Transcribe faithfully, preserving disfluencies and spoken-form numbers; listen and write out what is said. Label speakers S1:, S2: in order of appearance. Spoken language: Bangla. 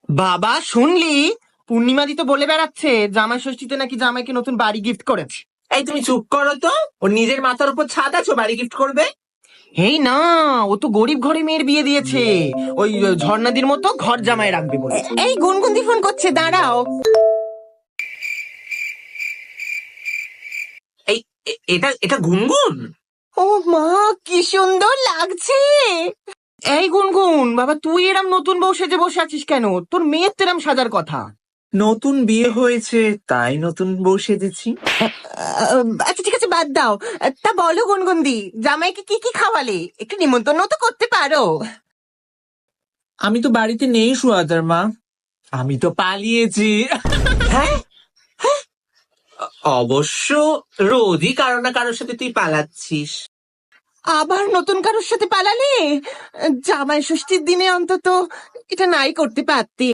S1: বাবা শুনলি, পূর্ণিমাদি তো বলে বেড়াচ্ছে জামাই ষষ্ঠীতে নাকি জামাইকে নতুন বাড়ি গিফট করেছে।
S2: এই তুমি চুপ করো তো। ওর নিজের মাথার উপর ছাদ আছে, ও বাড়ি গিফট করবে?
S1: এই না, ও তো গরিব ঘরে মেয়ের বিয়ে দিয়েছে, ওই ঝর্ণাদির মতো ঘর জামাই রাখবে বলে। এই গুনগুনদি ফোন করছে, দাঁড়াও।
S2: এই এ- এটা এটা গুনগুন।
S1: ও মা, কি সুন্দর লাগছে। এই গুনগুন বাবা, তুই এরম নতুন বউ সেজে বসে আছিস কেন? তোর মেয়ের তো এরম সাজার কথা।
S2: নতুন বিয়ে হয়েছে তাই নতুন বউ সেজেছি।
S1: আহ, আচ্ছা ঠিক আছে, বাদ দাও। তা বলো গুনগুনদি, জামাইকে কি কি খাওয়ালে? একটু নিমন্ত্রণ তো করতে পারো।
S2: আমি তো বাড়িতে নেই সুয়াদার মা, আমি তো পালিয়েছি।
S1: হ্যাঁ,
S2: অবশ্য রোজই কারো না কারোর সাথে তুই পালাচ্ছিস।
S1: আবার নতুন কারোর সাথে পালালে? জামাই ষষ্ঠীর দিনে অন্তত এটা নাই করতে পারতে।